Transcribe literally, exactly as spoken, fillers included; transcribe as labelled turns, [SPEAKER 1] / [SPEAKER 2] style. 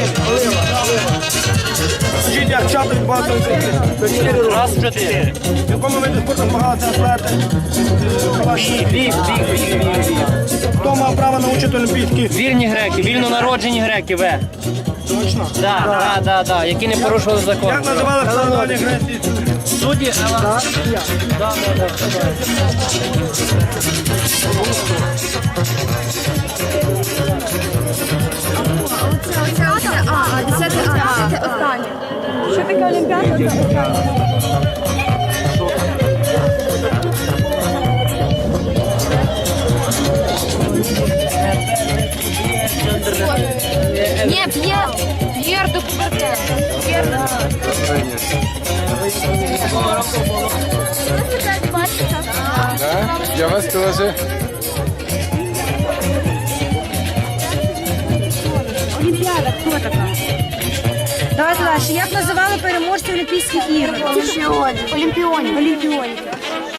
[SPEAKER 1] Скажіть, як часто відбувається це чотири роки?
[SPEAKER 2] Раз в чотири.
[SPEAKER 1] В якому виді спорту змагалися атлети?
[SPEAKER 2] Біг, біг, біг, біг, біг.
[SPEAKER 1] Хто мав право навчити олімпійські?
[SPEAKER 2] Вільні греки, вільно народжені греки, ве.
[SPEAKER 1] Точно?
[SPEAKER 2] Так, так, так, так, які не порушували закон.
[SPEAKER 1] Як називали встановлені греції?
[SPEAKER 2] Судді, Ела. Так, так, так.
[SPEAKER 3] Це оце, а, десяте, а, це останнє. Що таке Олімпіада? Це останнє. Ні, П'єр, П'єр до Кубертен. П'єр до
[SPEAKER 4] Я вас теж.
[SPEAKER 3] Олімпіада, хто така? Давайте далі. Як називали переможців Олімпійських ігор? Олімпіонів. Олімпіонів. Олімпіонів.